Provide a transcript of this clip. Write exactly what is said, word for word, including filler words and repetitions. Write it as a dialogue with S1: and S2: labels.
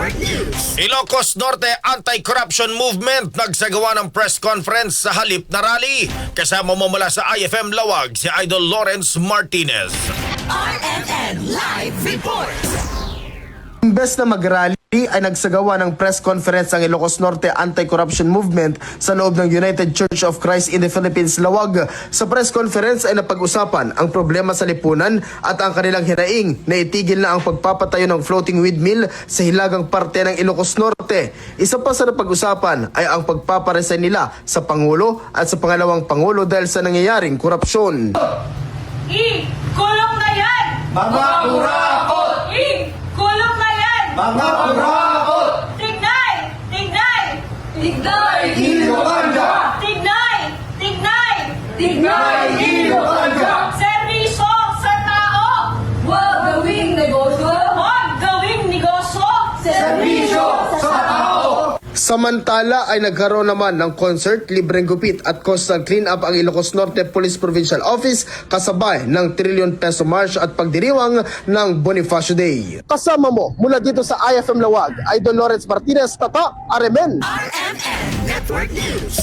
S1: Network News.
S2: Ilocos Norte Anti-Corruption Movement nagsagawa ng press conference sa halip na rally. Kasama mo mula sa I F M Lawag si Idol Lawrence Martinez.
S1: R M N Live Report.
S3: Imbes na mag-rally ay nagsagawa ng press conference ang Ilocos Norte Anti-Corruption Movement sa loob ng United Church of Christ in the Philippines, Lawag. Sa press conference ay napag-usapan ang problema sa lipunan at ang kanilang hinaing na itigil na ang pagpapatayo ng floating windmill sa hilagang parte ng Ilocos Norte. Isa pa sa napag-usapan ay ang pagpaparesign nila sa Pangulo at sa pangalawang Pangulo dahil sa nangyayaring korupsyon.
S4: I-kulong na yan!
S3: Mga kurakot!
S4: I-kulong na yan!
S3: Mga kurakot!
S4: Tignay! Tignay! Tignay!
S3: Ilocanda!
S4: Tignay! Tignay!
S3: Tignay! Ilocanda!
S4: Servisyo sa tao!
S5: Huwag gawing negosyo.
S4: Huwag gawing negosyo!
S3: Serbisyo sa tao! Samantala ay nagkaroon naman ng concert, libreng gupit at coastal cleanup ang Ilocos Norte Police Provincial Office kasabay ng trillion peso march at pagdiriwang ng Bonifacio Day. Kasama mo mula dito sa I F M Lawag, Idol Lawrence Martinez, Tata, R M N.
S1: R M N Network News.